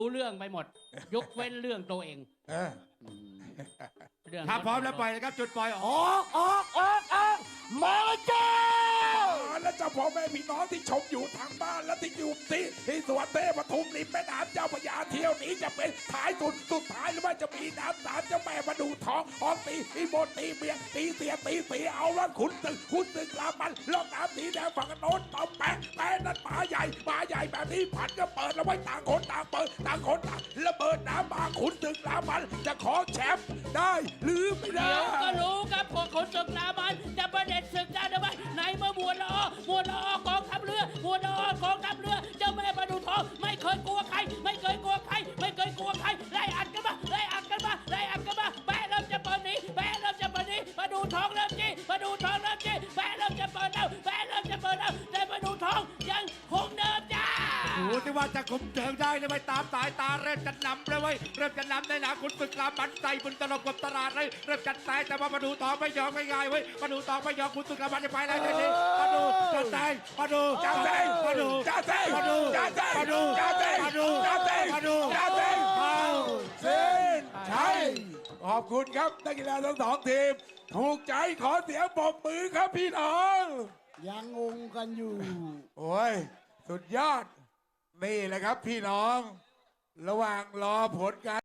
รู้เรื่องไปหมดยกเว้นเรื่องตัวเองเรื่องถ้าพร้อมแล้วปล่อยนะครับจุดปล่อยออกมาจ้าแล้วเจ้าพ่อแม่พี่น้องที่ชมอยู่ทางบ้านและที่อยู่ที่สวนเทพปทุมริมแม่น้ำเจ้าพระยาเที่ยวนี้จะเป็นท้ายสุดท้ายหรือว่าจะมีน้ำสามเจ้าแม่มาดูท้องออกตีโบตีเมียตีเสียเอาแล้วขุนตึกลามันลอกน้ำสีแดงฝั่งโน้นต่อแปะนั้นหมาใหญ่แบบนี้ผันก็เปิดแล้วไว้ต่างคนต่างเปิดต่างคนต่างระเบิดน้ำมาขุนตึกลามันจะขอแชมป์ได้หรือไม่ได้เดี๋ยวก็รู้ครับพวกคนศึกลามันจะประเด็นศึกได้หรือไม่ไหนเมื่อมวลละอกองทัพเรือเจ้าแม่ประดูทองไม่เคยกลัวใครไล่อัดกันมาแม่เริ่มจะเปิดหนีประดูทองเริ่มจี้แม่เริ่มจะเปิดแล้วแต่ประดูทองยังคงเดิมจ้าดูที่ว่าจะคุมเชิงได้หรือไม่ตามสายตาเริ่มจะนำเลยเว้ยเริ่มจะนำในหนาคุณฝึกลาบันใส่บุญตลบกับตลาดเลยเริ่มจัดแซงแต่ว่ามาดูต่อไม่ยอมง่ายๆเว้ยมาดูต่อไม่ยอมคุณฝึกลาบันจะไปแล้วเดี๋ยวนี้มาดูจัดแซงมาดูเส้นชัยขอบคุณครับนักกีฬาทั้งสองทีมถูกใจขอเสียงปรบมือครับพี่น้องยังงงกันอยู่โอ้ยสุดยอดนี่แหละครับพี่น้องระหว่างรอผลการ